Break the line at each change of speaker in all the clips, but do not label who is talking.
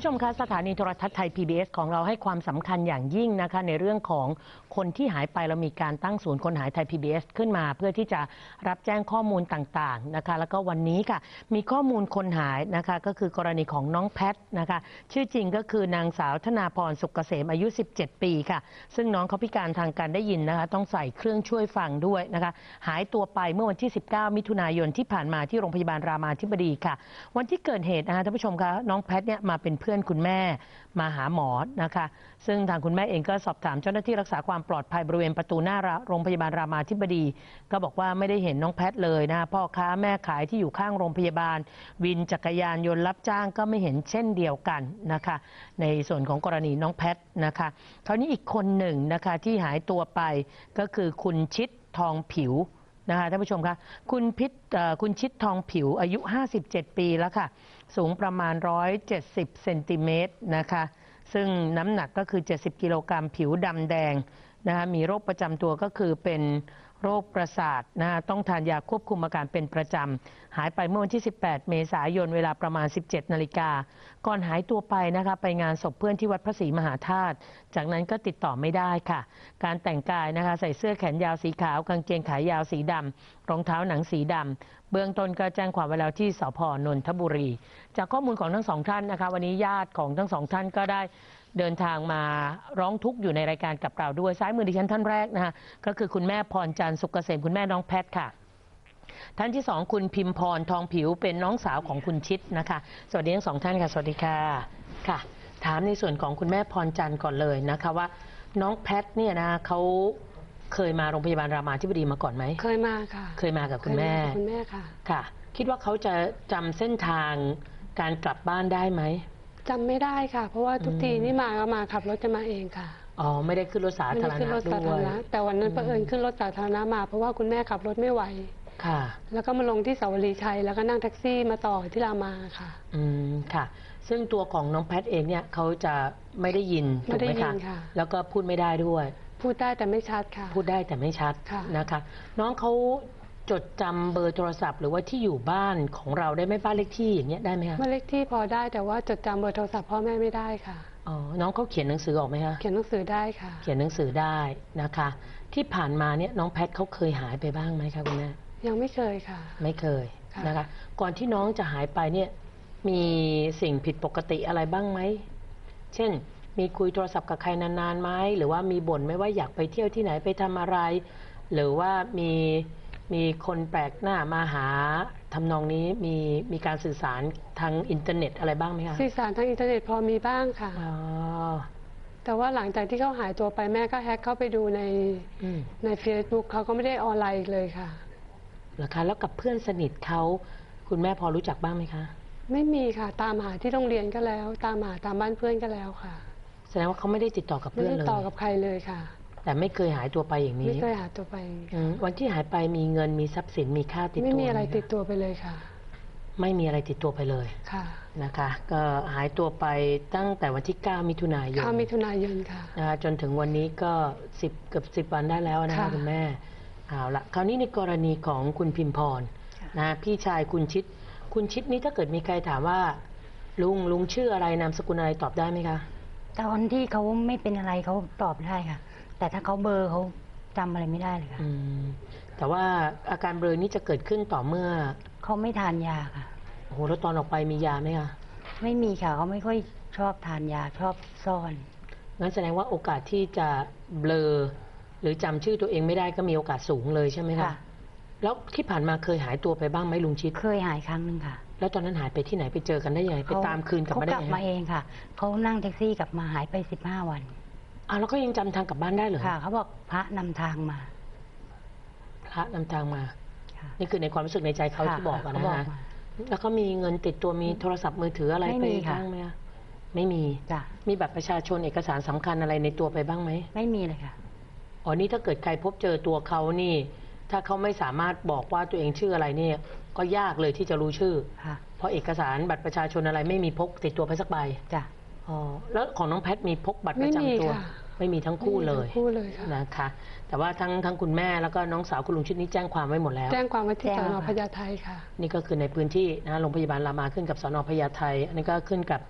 ผู้ชมคะสถานีโทรทัศน์ไทย PBS ของเราให้ความสำคัญอย่างยิ่งนะคะในเรื่องของคนที่หายไปเรามีการตั้งศูนย์คนหายไทย PBS ขึ้นมาเพื่อที่จะรับแจ้งข้อมูลต่างๆนะคะแล้วก็วันนี้ค่ะมีข้อมูลคนหายนะคะก็คือกรณีของน้องแพทนะคะชื่อจริงก็คือนางสาวธนาพรสุกเกษมอายุ17 ปีค่ะซึ่งน้องเขาพิการทางการได้ยินนะคะต้องใส่เครื่องช่วยฟังด้วยนะคะหายตัวไปเมื่อวันที่19 มิถุนายนที่ผ่านมาที่โรงพยาบาลรามาธิบดีค่ะวันที่เกิดเหตุนะคะท่านผู้ชมคะน้องแพทเนี่ยมาเป็นเพื่อนคุณแม่มาหาหมอนะคะซึ่งทางคุณแม่เองก็สอบถามเจ้าหน้าที่รักษาความปลอดภัยบริเวณประตูหน้าโรงพยาบาลรามาธิบดีก็บอกว่าไม่ได้เห็นน้องแพทเลยนะพ่อค้าแม่ขายที่อยู่ข้างโรงพยาบาลวินจักรยานยนต์รับจ้างก็ไม่เห็นเช่นเดียวกันนะคะในส่วนของกรณีน้องแพทนะคะคราวนี้อีกคนหนึ่งนะคะที่หายตัวไปก็คือคุณชิดทองผิวนะคะท่านผู้ชมคะคุณชิดทองผิวอายุ57 ปีแล้วค่ะสูงประมาณ170 เซนติเมตรนะคะซึ่งน้ำหนักก็คือ70 กิโลกรัมผิวดำแดงนะคะมีโรคประจำตัวก็คือเป็นโรคประสาทนะคะต้องทานยาควบคุมอาการเป็นประจำหายไปเมื่อวันที่18 เมษายนเวลาประมาณ 17 นาฬิกาก่อนหายตัวไปนะคะไปงานศพเพื่อนที่วัดพระศรีมหาธาตุจากนั้นก็ติดต่อไม่ได้ค่ะการแต่งกายนะคะใส่เสื้อแขนยาวสีขาวกางเกงขายาวสีดำรองเท้าหนังสีดำเบื้องต้นก็แจ้งความไว้แล้วที่สภ.นนทบุรีจากข้อมูลของทั้งสองท่านนะคะวันนี้ญาติของทั้งสองท่านก็ได้เดินทางมาร้องทุกข์อยู่ในรายการกับเราด้วยซ้ายมือดิฉันท่านแรกนะคะก็คือคุณแม่พรจันทร์สุกเกษมคุณแม่น้องแพทค่ะท่านที่สองคุณพิมพรทองผิวเป็นน้องสาวของคุณชิดนะคะสวัสดีทั้งสองท่านค่ะสวัสดีค่ะค่ะถามในส่วนของคุณแม่พรจันทร์ก่อนเลยนะคะว่าน้องแพทเนี่ยนะเขาเคยมาโรงพยาบาลรามาธิบดีมาก่อนไหมเคยมาค่ะเคยมากับคุณแม่ค่ะค่ะคิดว่าเขาจะจำเส้นทางการกลับบ้านได้ไหม
จำไม่ได้ค่ะเพราะว่าทุกทีนี่มาก็มาขับรถจะมาเองค่ะ
อ๋อไม่ได้ขึ้นรถสาธารณะด้วย
แต่วันนั้นเผอิญขึ้นรถสาธารณะมาเพราะว่าคุณแม่ขับรถไม่ไหวค่ะแล้วก็มาลงที่เสาวรีชัยแล้วก็นั่งแท็กซี่มาต่อที่รามาค่ะ
ค่ะซึ่งตัวของน้องแพทเองเนี่ยเขาจะไม่ได้ยินถูกไหมคะแล้วก็พูดไม่ได้ด้วย
พูดได้แต่ไม่ชัดค่ะ
พูดได้แต่ไม่ชัดนะคะน้องเขาจดจำเบอร์โทรศัพท์หรือว่าที่อยู่บ้านของเราได้ไหมบ้านเลขที่อย่างเงี้ยได้ไหมคะ
บ้านเลขที่พอได้แต่ว่าจดจำเบอร์โทรศัพท์พ่อแม่ไม่ได้ค่ะ
อ๋อน้องเขาเขียนหนังสือออกไหมคะ
เขียนหนังสือได้ค่ะ
เขียนหนังสือได้นะคะที่ผ่านมาเนี่ยน้องแพทเขาเคยหายไปบ้างไหมคะคุณแม่
ยังไม่เคยค่ะ
ไม่เคยนะคะก่อนที่น้องจะหายไปเนี่ยมีสิ่งผิดปกติอะไรบ้างไหมเช่นมีคุยโทรศัพท์กับใครนานๆไหมหรือว่ามีบ่นไหมว่าอยากไปเที่ยวที่ไหนไปทำอะไรหรือว่ามีคนแปลกหน้ามาหาทำนองนี้มีการสื่อสารทางอินเทอร์เน็ตอะไรบ้างไหมคะ
สื่อสารทางอินเทอร์เน็ตพอมีบ้างค่ะแต่ว่าหลังจากที่เขาหายตัวไปแม่ก็แฮ็กเข้าไปดูใน Facebook เขาก็ไม่ได้ออนไลน์อีกเลยค่ะ
เหรอคะแล้วกับเพื่อนสนิทเขาคุณแม่พอรู้จักบ้างไหมคะ
ไม่มีค่ะตามหาที่โรงเรียนก็แล้วตามหาตามบ้านเพื่อนก็แล้วค่ะ
แสดงว่าเขาไม่ได้ติดต่อกับเพื่อนเลย
ไม่ได้ติดต่อกับใครเลยค่ะ
แต่ไม่เคยหายตัวไปอย่างนี้
ไม่เคยหายตัวไป
วันที่หายไปมีเงินมีทรัพย์สินมีค่าติดตัว
ไม่มีอะไรติดตัวไปเลยค่ะ
ไม่มีอะไรติดตัวไปเลย
ค่ะ
นะคะก็หายตัวไปตั้งแต่วันที่9 มิถุนายน
9 มิถุนายนค่ะ
นะคะจนถึงวันนี้ก็เกือบ10 วันได้แล้วนะคะคุณแม่เอาละคราวนี้ในกรณีของคุณพิมพรนะพี่ชายคุณชิดนี้ถ้าเกิดมีใครถามว่าลุงชื่ออะไรนามสกุลอะไรตอบได้ไหมคะ
ตอนที่เขาไม่เป็นอะไรเขาตอบได้ค่ะแต่ถ้าเขาเบลอเขาจำอะไรไม่ได้เลยค่ะ
แต่ว่าอาการเบลอนี้จะเกิดขึ้นต่อเมื่อ
เขาไม่ทานยาค่ะ
โอ้โหแล้วตอนออกไปมียาไหมคะ
ไม่มีค่ะเขาไม่ค่อยชอบทานยาชอบซ่อน
งั้นแสดงว่าโอกาสที่จะเบลอหรือจำชื่อตัวเองไม่ได้ก็มีโอกาสสูงเลยใช่ไหมคะแล้วที่ผ่านมาเคยหายตัวไปบ้างไหมลุงชิด
เคยหายครั้งหนึ่งค่ะ
แล้วตอนนั้นหายไปที่ไหนไปเจอกันได้ยังไงไปตามคืนกลับมาได้ยังไง
เขากลับมาเองค่ะเขานั่งแท็กซี่กลับมาหายไป15 วัน
แล้วก็ยังจำทางกลับบ้านได้เหรอ
ค่ะเขาบอกพระนำทางมา
พระนำทางมานี่คือในความรู้สึกในใจเขาที่บอกนะฮะแล้วก็มีเงินติดตัวมีโทรศัพท์มือถืออะไรไปบ้างไหมไม่มีมีบัตรประชาชนเอกสารสำคัญอะไรในตัวไปบ้างไหม
ไม่มีเลยค่ะ
อ๋อนี่ถ้าเกิดใครพบเจอตัวเขานี่ถ้าเขาไม่สามารถบอกว่าตัวเองชื่ออะไรเนี่ยก็ยากเลยที่จะรู้ชื่อเพราะเอกสารบัตรประชาชนอะไรไม่มีพกติดตัวไปสักใบ
จ้ะ
อ๋อแล้วของน้องแพทมีพกบัตรประจำตัวไม่มีทั้งคู่เลยนะคะแต่ว่าทั้งคุณแม่แล้วก็น้องสาวคุณลุงชิดนี้แจ้งความไว้หมดแล้ว
แจ้งความไว้ที่สน.พญาไทค่ะ
นี่ก็คือในพื้นที่นะโรงพยาบาลรามาขึ้นกับสน.พญาไทอันนี้ก็ขึ้นกับ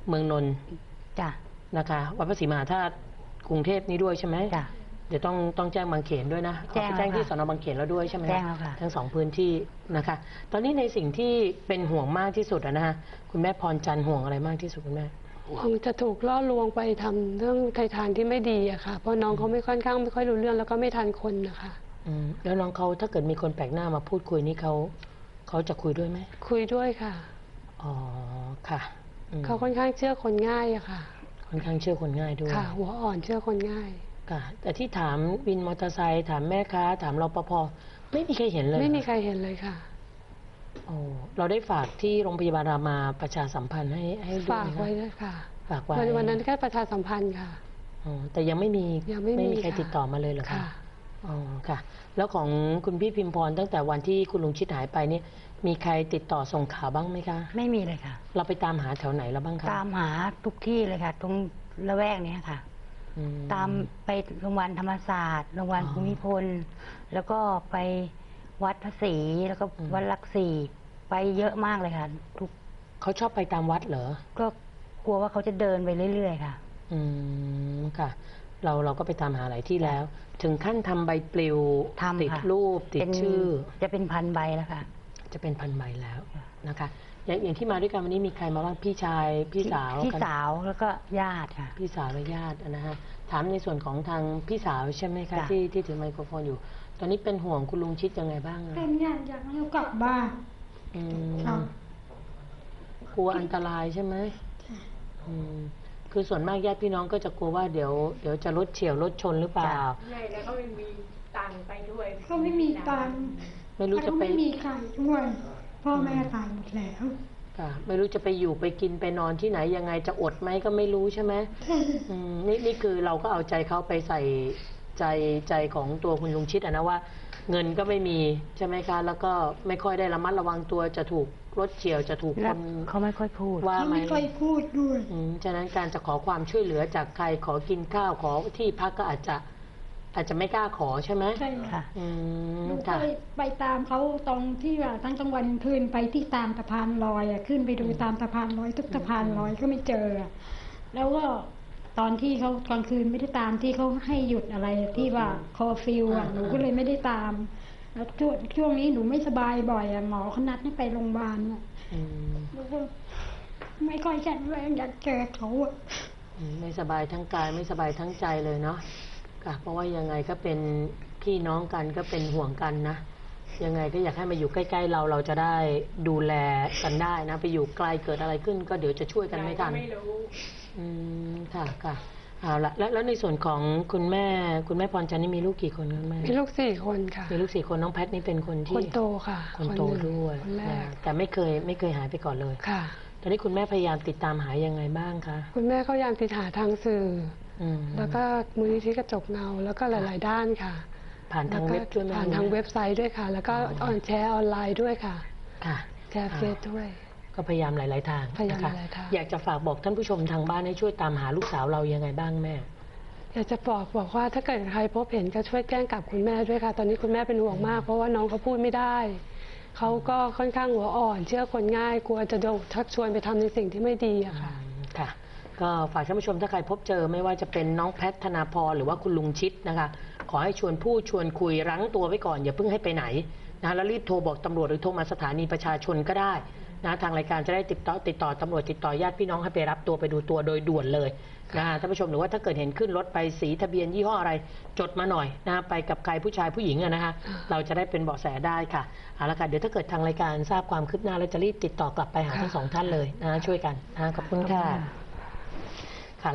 เมืองนนท์
จ้ะ
นะคะวัดพระศรีมหาธาตุกรุงเทพนี้ด้วยใช่ไหม
จ้ะ
เดี๋ยวต้องแจ้งบางเขนด้วยนะ
แจ้ง
แจ้งที่
แล้ว
ส
ค่ะ
นบางเขนแล้วด้วยใช่ไหม
แจ้งแล้วค่ะ
ทั้ง2พื้นที่นะคะ ตอนนี้ในสิ่งที่เป็นห่วงมากที่สุดอะนะคะคุณแม่พรจันทร์ห่วงอะไรมากที่สุดคุณแม่
คงจะถูกล่อลวงไปทำเรื่องทางที่ไม่ดีอะค่ะ เพราะน้องเขาไม่ค่อยรู้เรื่องแล้วก็ไม่ทันคนนะคะ
แล้วน้องเขาถ้าเกิดมีคนแปลกหน้ามาพูดคุยนี่เขาจะคุยด้วยไหม
คุยด้วยค่ะ
อ๋อค่ะ
เขาค่อนข้างเชื่อคนง่ายอะค่ะ
ค่อนข้างเชื่อคนง่ายด้วย
ค่ะ หัวอ่อนเชื่อคนง่าย
ค่ะแต่ที่ถามวินมอเตอร์ไซค์ถามแม่ค้าถามรปภไม่มีใครเห็นเลย
ไม่มีใครเห็นเลยค่ะ
โอ้เราได้ฝากที่โรงพยาบาลรามาประชาสัมพันธ์ให้ด้วย
ฝาก
ไหม
ไว้
คะ
ด้วยค่ะ
ฝากไว้
วันนั้นแค่ประชาสัมพันธ์ค่ะ
อ๋อแต่ยังไม่มี
ยังไม่มี
ใคร
ค่ะ
ติดต่อมาเลยเหรอคะ
ค่ะ
อ๋อค่ะ แล้วของคุณพี่พิมพรตั้งแต่วันที่คุณลุงชิดหายไปนี่มีใครติดต่อส่งข่าวบ้างไหมคะ
ไม่มีเลยค่ะ
เราไปตามหาแถวไหนแล้วบ้างคะ
ตามหาทุกที่เลยค่ะ ตรงละแวกเนี้ยค่ะ
อื
ตามไปโรงพยาบาลธรรมศาสตร์โรงพยาบาลภูมิพล แล้วก็ไปวัดพระศรีแล้วก็วัดหลักสี่ไปเยอะมากเลยค่ะ ทุก
เขาชอบไปตามวัดเหรอ
ก็กลัวว่าเขาจะเดินไปเรื่อยๆค่ะ
ค่ะ เราก็ไปตามหาหลายที่แล้ว ถึงขั้นทำใบปลิว
ทำค่ะ
ติดรูปติด
เป็น
ชื่อ
จะเป็นพันใบแล้วค่ะ
จะเป็นพันใบแล้วนะคะ อย่างที่มาด้วยกันวันนี้มีใครมาบ้างพี่ชายพี่สาว
พี่
กัน
สาวแล้วก็ญาติค่ะ
พี่สาวและญาตินะฮะถามในส่วนของทางพี่สาวใช่ไหมคะ
จ้ะ
ที่ถือไมโครโฟนอยู่ ตอนนี้เป็นห่วงคุณลุงชิดยังไงบ้างอะ
เป็นอยากให้เขากลับบ้าน
อืม
ค่ะ
กลัวอันตรายใช่ไหมอืมคือส่วนมากญาติพี่น้องก็จะกลัวว่าเดี๋ยวจะรถเฉี่ยวรถชนหรือเปล่า
ใช่แล้วก็ไม่มีตังค์ไปด้วย
ก็ไม่มีตังค์
ไม่รู้จะ
แล้วก็
ไป
ไม่มีใครด้วยพ่อแม่ตายหมดแล้ว
ค่ะไม่รู้จะไปอยู่ไปกินไปนอนที่ไหนยังไงจะอดไหมก็ไม่รู้ใช่ไหมนี่คือเราก็เอาใจเขาไปใส่ใจของตัวคุณลุงชิดอะนะว่า เงินก็ไม่มีใช่ไหมคะ แล้วก็ไม่ค่อยได้ระมัดระวังตัวจะถูกรถเฉี่ยวจะถูกค
แล้ว
น
เขาไม่ค่อยพูด
ว่า
เขา
ไหม
ไม่ค่อยพูดด้วย
ฉะนั้นการจะขอความช่วยเหลือจากใครขอกินข้าวขอที่พักก็อาจจะไม่กล้าขอใช่ไหม
ใช่
ค่ะ
หนูเค
ค่ะ
ยไปตามเขาตรงที่ว่าทั้งกลางวันคืนไปที่ตามสะพานลอยอะขึ้นไปดูตามสะพานลอยทุกสะพานลอยก็ไม่เจออะแล้วก็ตอนที่เขากลางคืนไม่ได้ตามที่เขาให้หยุดอะไรที่ว่าคอฟิวอะหนูก็เลยไม่ได้ตาม แล้วช่วงนี้หนูไม่สบายบ่อยอะหมอเขานัดให้ไปโรงพยาบาลอะ
อืม
หนูก็ไม่ค่อยแข็งแรงอยากเจอเขาอะ
ไม่สบายทั้งกายไม่สบายทั้งใจเลยเนาะค่ะเพราะว่ายังไงก็เป็นพี่น้องกันก็เป็นห่วงกันนะยังไงก็อยากให้มาอยู่ใกล้ๆเราจะได้ดูแลกันได้นะ ไปอยู่ไกลเกิดอะไรขึ้น ก็เดี๋ยวจะช่วยกันไม่ทัน
ไม่รู้
ค่ะเอาละแล้วในส่วนของคุณแม่พรจันทร์นี่มีลูกกี่คนคุณแม่
มีลูก4 คนค่ะ
มีลูก4 คนน้องแพทนี่เป็นคนที่
คนโตค่ะ
คนโต
หนึ่ง
ด้วย
คนแรก
แต่ไม่เคยหายไปก่อนเลย
ค่ะ
ตอนนี้คุณแม่พยายามติดตามหายังไงบ้างคะ
คุณแม่เขาพยายามติดหาทางสื่อ
อืม
แล้วก็มูลนิธิกระจกเงา แล้วก็หลาย ๆ ด้านค่ะ
ผ่านทางเว็บด้วยไหม
ผ่านทางเว็บไซต์ด้วยค่ะ แล้วก็แชร์ออนไลน์ด้วยค่ะ
ค่ะ
แชร์เฟซด้วย
ก็พยายามหลาย ๆ ทาง
พยายาม
นะคะ
หลายๆทาง
อยากจะฝากบอกท่านผู้ชมทางบ้านให้ช่วยตามหาลูกสาวเรายังไงบ้างแม่
อยากจะบอกว่าถ้าเกิดใครพบเห็นก็ช่วยแจ้งกับคุณแม่ด้วยค่ะ ตอนนี้คุณแม่เป็นห่วงมาก เพราะว่าน้องเขาพูดไม่ได้ เขาก็ค่อนข้างหัวอ่อน เชื่อคนง่าย กลัวจะโดนชักชวนไปทำในสิ่งที่ไม่ดีอะค่ะ
ค่ะ ก็ฝากท่านผู้ชมถ้าใครพบเจอไม่ว่าจะเป็นน้องแพทธนาพรหรือว่าคุณลุงชิดนะคะ ขอให้ชวนพูดชวนคุยรั้งตัวไว้ก่อนอย่าเพิ่งให้ไปไหนนะแล้วรีบโทรบอกตำรวจหรือโทรมาสถานีประชาชนก็ได้นะทางรายการจะได้ติดต่อตำรวจติดต่อญาติพี่น้องให้ไปรับตัวไปดูตัวโดยด่วนเลยนะท่านผู้ชมหรือว่าถ้าเกิดเห็นขึ้นรถไปสีทะเบียนยี่ห้ออะไรจดมาหน่อยนะไปกับใครผู้ชายผู้หญิงอะนะคะเราจะได้เป็นเบาะแสได้ค่ะเอาละค่ะเดี๋ยวถ้าเกิดทางรายการทราบความคืบหน้าแล้วจะรีบติดต่อกลับไปหาทั้งสองท่านเลยนะช่วยกันนะขอบคุณค่ะ